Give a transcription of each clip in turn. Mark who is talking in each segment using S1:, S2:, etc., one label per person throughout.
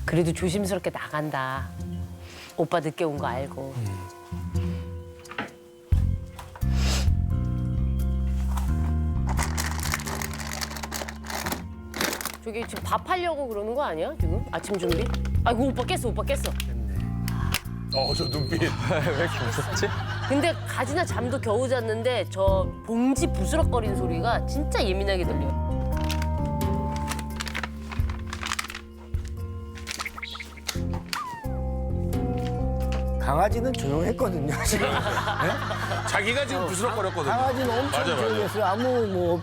S1: 그래도 조심스럽게 나간다. 오빠 늦게 온 거 알고. 저기 지금 밥 하려고 그러는 거 아니야 지금? 아침 준비? 아이고 오빠 깼어 오빠 깼어.
S2: 저 눈빛. 왜 이렇게 무섭지?
S1: 근데 가지나 잠도 겨우 잤는데 저 봉지 부스럭거리는 소리가 진짜 예민하게 들려요.
S3: 강아지는 조용했거든요, 지금.
S2: 자기가 지금 부스럭거렸거든요.
S3: 강아지는 엄청
S2: 맞아, 맞아.
S3: 조용했어요. 아무 뭐.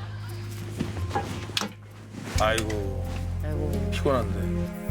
S2: 아이고,
S1: 아이고.
S2: 피곤한데.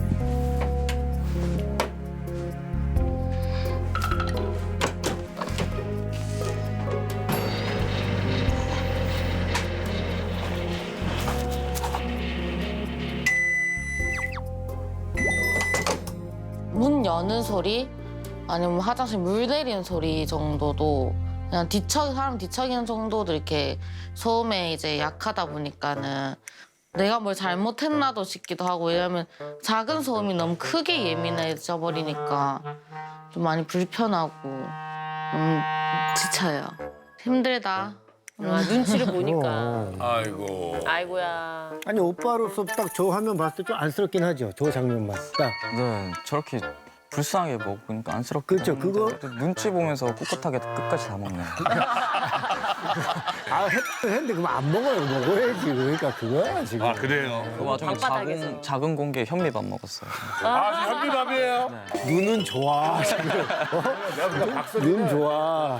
S4: 문 여는 소리 아니면 화장실 물 내리는 소리 정도도 그냥 사람 뒤척이는 정도도 이렇게 소음에 이제 약하다 보니까는 내가 뭘 잘못했나도 싶기도 하고 왜냐면 작은 소음이 너무 크게 예민해져 버리니까 좀 많이 불편하고 지쳐요. 힘들다.
S1: 아, 눈치를 보니까.
S2: 아이고.
S1: 아이고야.
S3: 아니, 오빠로서 딱 저 화면 봤을 때 좀 안쓰럽긴 하죠. 저 장면만 딱.
S5: 네, 저렇게 불쌍하게 먹으니까 안쓰럽고.
S3: 그쵸, 그거-
S5: 눈치 보면서 꿋꿋하게 끝까지 다 먹네.
S3: 아, 했는데 그럼 안 먹어요. 먹어야지. 그러니까 그거야, 지금.
S2: 아, 그래요?
S5: 그 와중에
S1: 방바닥에서.
S5: 작은 공기에 현미밥 먹었어요.
S2: 아, 지금 현미밥이에요?
S3: 눈은 좋아, 지금.
S2: 내가 박수
S3: 눈 좋아.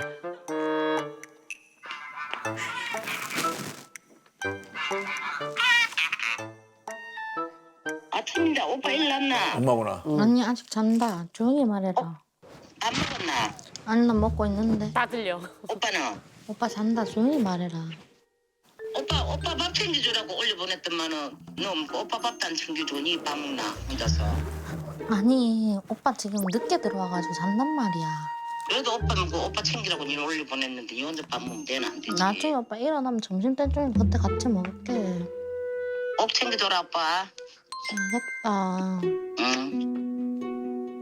S6: 아침인데 오빠 일났나?
S2: 엄마구나.
S4: 아니 아직 잔다. 조용히 말해라.
S6: 안 먹었나?
S4: 아니 나 먹고 있는데.
S1: 다 들려.
S6: 오빠는?
S4: 오빠 잔다. 조용히 말해라.
S6: 오빠 밥 챙겨주라고 올려보냈더만은 너 오빠 밥도 안 챙겨줘. 니 밥 먹나? 혼자서.
S4: 아니 오빠 지금 늦게 들어와가지고 잔단 말이야.
S6: 그래도 오빠는 그 오빠 챙기라고 니 올려보냈는데 니 혼자 밥 먹으면 되나 안 되지?
S4: 나중에 오빠 일어나면 점심때쯤에 그때 같이 먹을게.
S6: 꼭 챙겨줘라 오빠.
S4: 알겠다.
S6: 응.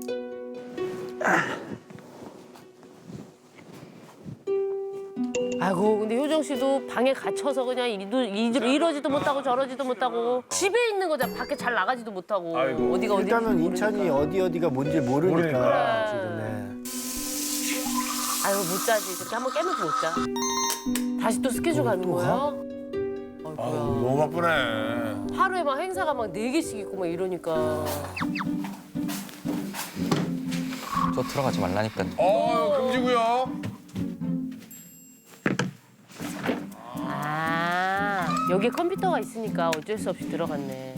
S1: 아이고 근데 효정 씨도 방에 갇혀서 그냥 이러지도 못하고 저러지도 못하고 집에 있는 거잖아. 밖에 잘 나가지도 못하고.
S2: 아이고.
S1: 어디가 어디인지
S3: 일단은
S1: 모르니까.
S3: 인천이 어디가 뭔지 모르니까.
S2: 모르니까.
S3: 지금. 네.
S1: 아이고 못 자지. 저렇게 한번 깨면 못 자. 다시 또 스케줄 가는
S3: 또 가?
S1: 거예요?
S2: 아유,
S1: 아이고야.
S2: 너무 바쁘네.
S1: 하루에 막 행사가 막 4개씩 있고 막 이러니까.
S5: 저 들어가지 말라니까요.
S2: 금지고요.
S1: 아 여기에 컴퓨터가 있으니까 어쩔 수 없이 들어갔네.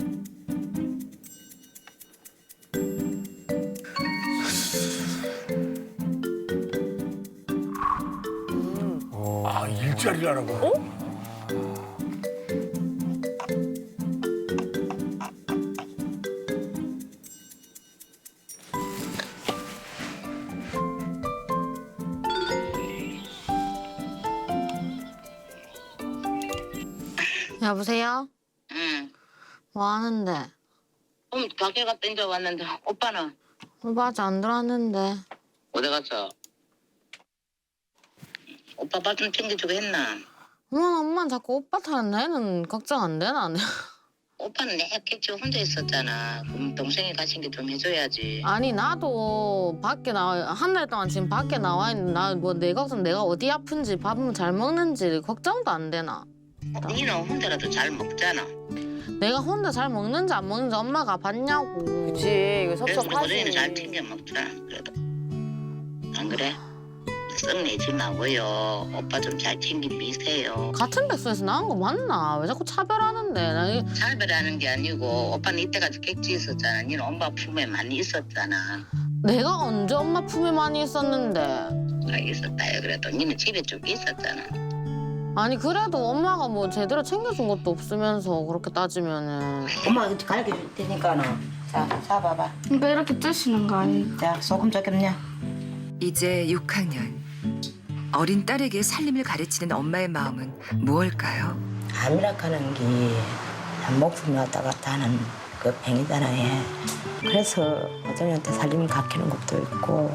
S2: 아, 일자리라는 거.
S4: 여보세요?
S6: 응.
S4: 뭐 하는데?
S6: 가게 갔다 이제 왔는데 오빠는?
S4: 오빠 아직 안 들어왔는데.
S6: 어디 갔어? 오빠 밥 좀 챙겨주고 했나?
S4: 엄마는 자꾸 오빠 탓 내는 걱정 안 되나?
S6: 오빠는 내 객지 혼자 있었잖아. 그럼 동생이 가신 게 좀 해줘야지.
S4: 아니 나도 밖에 나와 한 달 동안 지금 밖에 나와 있는 나 뭐 내 걱정 내가 어디 아픈지 밥은 잘 먹는지 걱정도 안 되나?
S6: 니는 혼자라도 잘 먹잖아.
S4: 내가 혼자 잘 먹는지 안 먹는지 엄마가 봤냐고.
S1: 그치 이거
S6: 그래도
S1: 섭섭하지.
S6: 우리는 잘 챙겨 먹자. 그래도 안 그래? 썩내지 마고요. 오빠 좀 잘 챙겨 미세요.
S4: 같은 백수에서 나온 거 맞나? 왜 자꾸 차별하는데? 나
S6: 차별하는 게 아니고 오빠는 이때까지 객지 있었잖아. 니는 엄마 품에 많이 있었잖아.
S4: 내가 언제 엄마 품에 많이 있었는데?
S6: 아, 있었다요. 그래도 니는 집에 쭉 있었잖아.
S4: 아니 그래도 엄마가 뭐 제대로 챙겨준 것도 없으면서 그렇게 따지면은.
S6: 엄마 이거 가르쳐 줄 테니까는. 자, 잡아봐.
S4: 그러니까 이렇게 뜨시는 거 아니에요?
S6: 자, 소금 조금요.
S7: 이제 6학년. 어린 딸에게 살림을 가르치는 엄마의 마음은 무엇일까요?
S6: 암이라고 하는 게 목숨이 왔다 갔다 하는 그
S8: 팽이잖아요. 그래서 어정이한테 살림을 가르치는 것도 있고.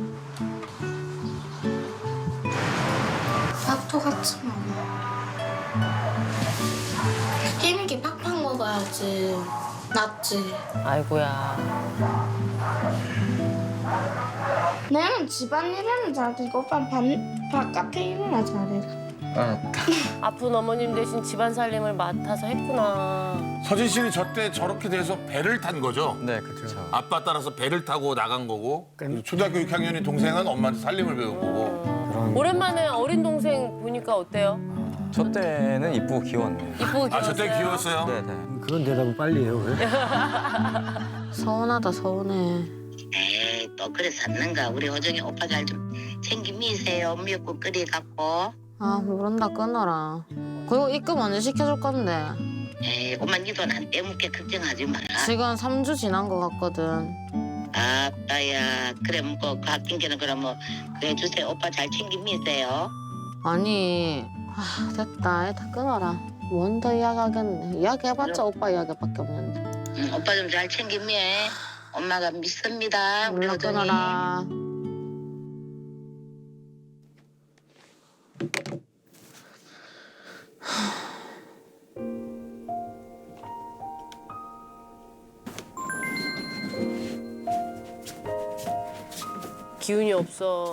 S9: 밥도 같이 먹어. 힘있게 팍팍 먹어야지. 낫지.
S1: 아이고야.
S9: 나는 집안일은 잘하고 오빠는 바깥에 일이나 잘해.
S1: 아픈 어머님 대신 집안 살림을 맡아서 했구나.
S2: 서진 씨는 저 때 저렇게 돼서 배를 탄 거죠?
S5: 네, 그렇죠.
S2: 아빠 따라서 배를 타고 나간 거고 초등학교 6학년인 동생은 엄마한테 살림을 배운 거고.
S3: 그런
S1: 오랜만에 어린 동생 보니까 어때요?
S5: 저 때는 이쁘고 귀여웠네요.
S1: 이쁘고
S2: 아, 저 때
S1: 귀여웠어요?
S2: 귀여웠어요?
S5: 네, 네.
S3: 그런 대답은 빨리 해요. 왜?
S4: 서운하다 서운해.
S6: 에이 또 그래 샀는가. 우리 호정이 오빠 잘 좀 챙기 미세요. 미역국 끓여갖고.
S4: 아 모른다 끊어라. 그리고 입금 언제 시켜줄 건데?
S6: 에이 엄마 니 돈 안 떼먹게 걱정하지 마라.
S4: 지금 3주 지난 것 같거든.
S6: 아빠야 그래 뭐 아낀 게는 그럼 뭐 그래 주세요. 오빠 잘 챙기 미세요.
S4: 아니 됐다 다 끊어라. 뭔 더 이야기하겠네. 이야기해봤자 오빠 이야기밖에 없는데.
S6: 응, 오빠 좀 잘 챙기 미해. 엄마가 믿습니다. 우리
S4: 몰라
S6: 호정이.
S4: 끊어라.
S1: 기운이 없어.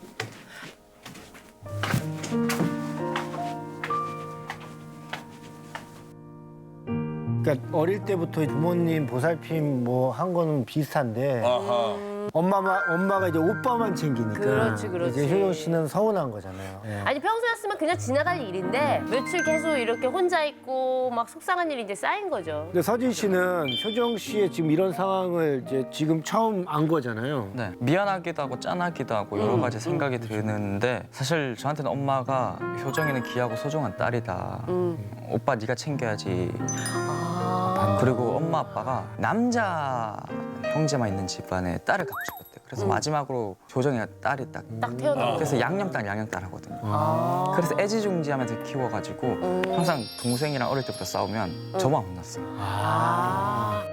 S3: 그러니까 어릴 때부터 부모님 보살핌 뭐 한 거는 비슷한데
S2: 아하.
S3: 엄마가 이제 오빠만 챙기니까
S1: 그렇지, 그렇지.
S3: 이제 효정 씨는 서운한 거잖아요. 예.
S1: 아니 평소였으면 그냥 지나갈 일인데 며칠 계속 이렇게 혼자 있고 막 속상한 일이 이제 쌓인 거죠.
S3: 근데 서진 씨는 효정 씨의 지금 이런 상황을 이제 지금 처음 안 거잖아요.
S5: 네, 미안하기도 하고 짠하기도 하고 여러 가지 생각이 드는데 사실 저한테는 엄마가 효정이는 귀하고 소중한 딸이다. 오빠 네가 챙겨야지. 그리고 엄마 아빠가 남자 형제만 있는 집안에 딸을 갖고 싶었대요. 그래서 마지막으로 효정이가 딸이 딱.
S1: 딱 태어난
S5: 그래서 양념딸 양념딸 하거든요.
S1: 아.
S5: 그래서 애지중지하면서 키워가지고 항상 동생이랑 어릴 때부터 싸우면 저만 혼났어요.
S1: 아.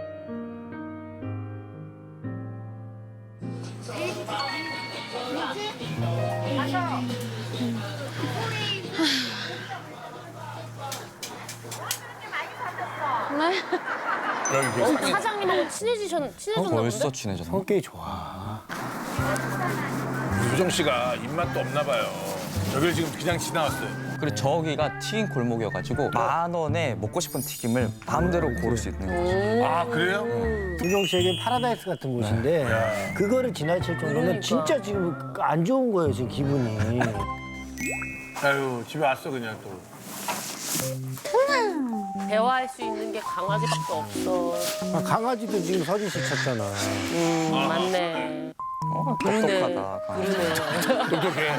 S2: 여기
S1: 사장님하고 친해졌나
S5: 벌써
S1: 본데?
S5: 친해졌네.
S3: 성격이 좋아.
S2: 효정 씨가 입맛도 없나 봐요. 저길 지금 그냥 지나왔어요.
S5: 그리고 저기가 튀김 골목이어가지고 10,000원에 먹고 싶은 튀김을 마음대로 고를 수 있는 거죠.
S2: 아, 그래요?
S3: 효정 씨에겐 파라다이스 같은 곳인데 그거를 지나칠 정도면
S1: 그러니까.
S3: 진짜 지금 안 좋은 거예요, 지금 기분이.
S2: 아유, 집에 왔어, 그냥 또.
S1: 대화할 수 있는 게 강아지밖에 없어.
S3: 아, 강아지도 지금 서진 씨 찾잖아.
S1: 맞네.
S5: 똑똑하다. 강아지.
S1: 그러네.
S2: 똑똑해.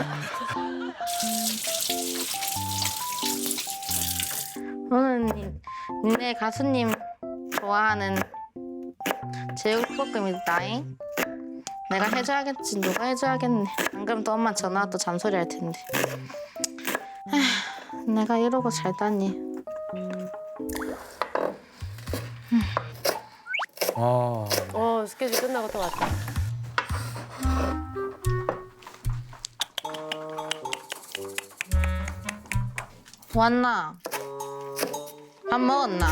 S4: 오늘 니네 가수님 좋아하는 제육볶음이다잉. 내가 해줘야겠지. 누가 해줘야겠네. 안 그러면 또 엄마 전화 또 잔소리 할 텐데. 에휴, 내가 이러고 살다니.
S1: 스케줄 끝나고 또 왔다.
S4: 왔나? 밥 먹었나?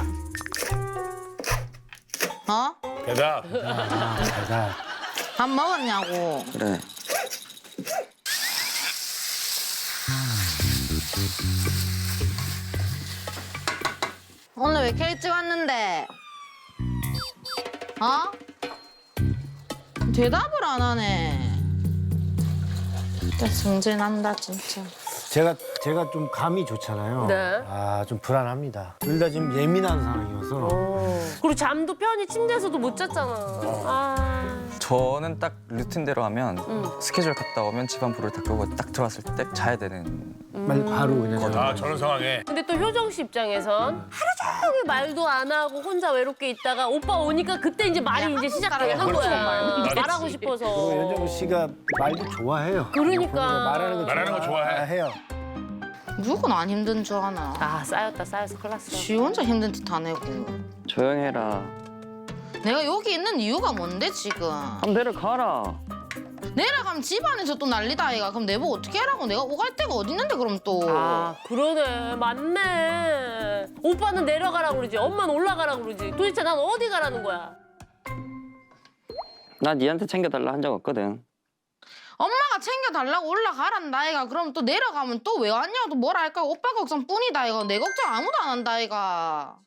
S4: 어?
S2: 대답.
S3: 대단.
S4: 밥 먹었냐고.
S5: 그래.
S4: 오늘 왜 이렇게 일찍 왔는데? 어? 대답을 안 하네. 진짜 승진한다 진짜.
S3: 제가 좀 감이 좋잖아요.
S1: 네.
S3: 아, 좀 불안합니다. 둘 다 지금 예민한 상황이어서.
S1: 그리고 잠도 편히 침대에서도 못 잤잖아. 아.
S5: 저는 딱 루틴대로 하면 스케줄 갔다 오면 집안 불을 다 끄고 딱 들어왔을 때 자야 되는.
S3: 바로 그냥.
S2: 아, 저런 상황에.
S1: 근데 또 효정 씨 입장에선 하루 종일 말도 안 하고 혼자 외롭게 있다가 오빠 오니까 그때 이제 말이 이제 시작되는 거야. 말하고 싶어서.
S3: 그리고 윤정 씨가 말도 좋아해요.
S1: 그러니까.
S3: 말하는 거
S2: 좋아해요.
S4: 누군 안 힘든 줄 아나.
S1: 아 쌓였다 쌓였어 큰일 났어.
S4: 지 혼자 힘든 듯 안 해고.
S5: 조용해라.
S4: 내가 여기 있는 이유가 뭔데 지금?
S5: 한번 내려가라.
S4: 내려가면 집안에서 또 난리다 아이가. 그럼 내보고 어떻게 하라고? 내가 오갈 데가 어디 있는데 그럼 또.
S1: 아 그러네 맞네. 오빠는 내려가라고 그러지 엄마는 올라가라고 그러지. 도대체 난 어디 가라는 거야?
S5: 나 니한테 챙겨달라 한 적 없거든.
S4: 엄마가 챙겨달라고 올라가란다 아이가. 그럼 또 내려가면 또 왜 왔냐고 또 뭐라 할까? 오빠 걱정뿐이다 아이가. 내 걱정 아무도 안 한다 아이가.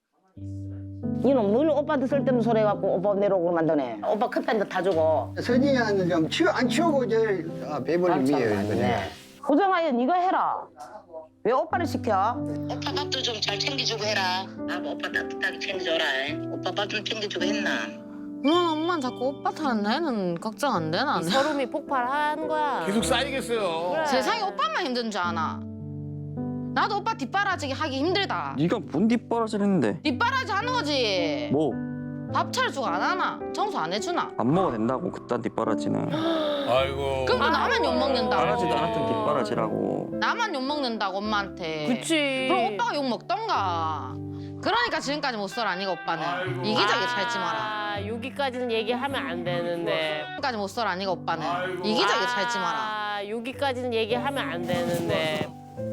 S8: 니는 늘 오빠한테 쓸데없는 소리 해갖고 오빠 내려오고 만드네. 오빠 커피 한 잔 타주고.
S3: 서진이는 좀 안 치우고 이제 배불림이에요.
S8: 네. 고정아야 네가 해라. 왜 오빠를 시켜?
S6: 오빠 밥도 좀 잘 챙겨주고 해라. 오빠 따뜻하게 챙겨줘라. 오빠 밥 좀 챙겨주고 했나?
S4: 엄마는 자꾸 오빠 탓은 나는 걱정 안 되나?
S1: 서름이 폭발한 거야.
S2: 계속 쌓이겠어요.
S1: 그래.
S4: 세상에 오빠만 힘든 줄 아나? 나도 오빠 뒷바라지 하기 힘들다.
S5: 네가 뭔 뒷바라지를
S4: 뒷바라지 하는 거지.
S5: 뭐?
S4: 밥 차려주고 안 하나? 청소 안 해주나?
S5: 안 먹어도 된다고 그딴 뒷바라지는.
S2: 아이고.
S4: 그럼 또 나만 욕먹는다고.
S5: 바라지도 않았던 뒷바라지라고.
S4: 나만 욕먹는다고 엄마한테.
S1: 그치.
S4: 그럼 오빠가 욕먹던가. 그러니까 지금까지 못 살아 니가 오빠는. 이기적이게 살지 마라.
S1: 아 여기까지는 얘기하면 안 되는데.
S4: 지금까지 못 살아 니가 오빠는. 이기적이게 살지 마라.
S1: 아 여기까지는 얘기하면 안 되는데.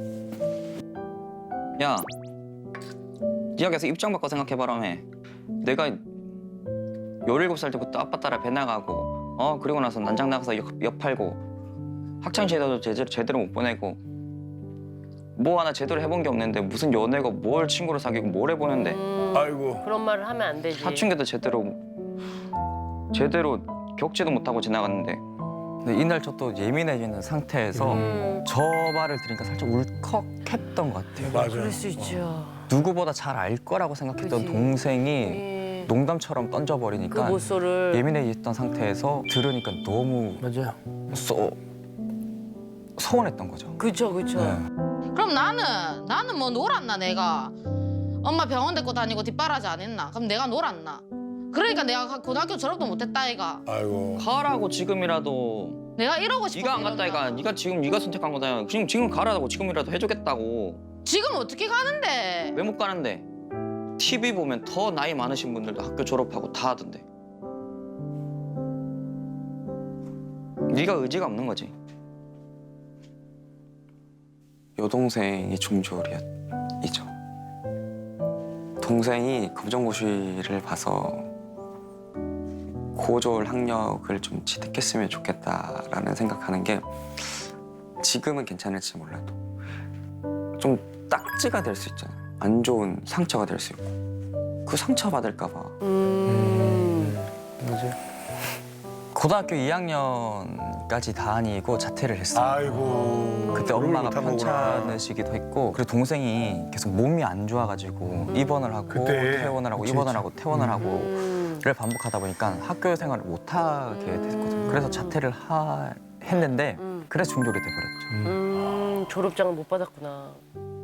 S5: 야, 네가 계속 입장 바꿔 생각해봐라며. 내가 17살 때부터 아빠 따라 배 나가고 그리고 나서 난장 나가서 역 팔고 학창시절도 제대로 못 보내고 뭐 하나 제대로 해본 게 없는데 무슨 연애가 뭘 친구를 사귀고 뭘 해보는데
S2: 아이고.
S1: 그런 말을 하면 안 되지.
S5: 사춘기도 제대로 겪지도 못하고 지나갔는데 근데 이날 저 또 예민해지는 상태에서 저 말을 들으니까 살짝 울컥했던 것 같아요.
S2: 맞아요.
S1: 그럴 수 있죠.
S5: 누구보다 잘 알 거라고 생각했던
S1: 그치.
S5: 동생이 농담처럼
S1: 그
S5: 던져버리니까
S1: 모쏠을.
S5: 예민해졌던 상태에서 들으니까 너무
S3: 맞아요.
S5: 서운했던 거죠.
S1: 그쵸 그쵸.
S5: 네.
S4: 그럼 나는 뭐 놀았나 내가. 엄마 병원 데리고 다니고 뒷바라지 안 했나? 그럼 내가 놀았나? 그러니까 내가 고등학교 졸업도 못했다 애가.
S2: 아이고.
S5: 가라고 지금이라도.
S4: 내가 이러고 싶어.
S5: 네가 안 갔다 애가. 네가 지금 네가 선택한 거잖아. 지금 가라고 지금이라도 해주겠다고.
S4: 지금 어떻게 가는데?
S5: 왜 못 가는데? TV 보면 더 나이 많으신 분들도 학교 졸업하고 다 하던데. 네가 의지가 없는 거지. 여동생이 중졸이죠. 동생이 검정고시를 봐서 고졸 학력을 좀 취득했으면 좋겠다라는 생각하는 게 지금은 괜찮을지 몰라도 좀 딱지가 될 수 있잖아요. 안 좋은 상처가 될 수 있고 그 상처 받을까 봐.
S3: 맞아요.
S5: 고등학교 2학년까지 다니고 자퇴를 했어요.
S2: 아이고.
S5: 그때 엄마가 편찮으시기도 했고 그리고 동생이 계속 몸이 안 좋아가지고 입원을 하고
S2: 그때.
S5: 퇴원을 하고
S3: 그치,
S5: 입원을
S3: 그치.
S5: 하고 퇴원을 하고를 반복하다 보니까 학교 생활을 못 하게 됐거든요. 그래서 자퇴를 했는데 그래서 중졸이 돼버렸죠.
S1: 졸업장을 못 받았구나.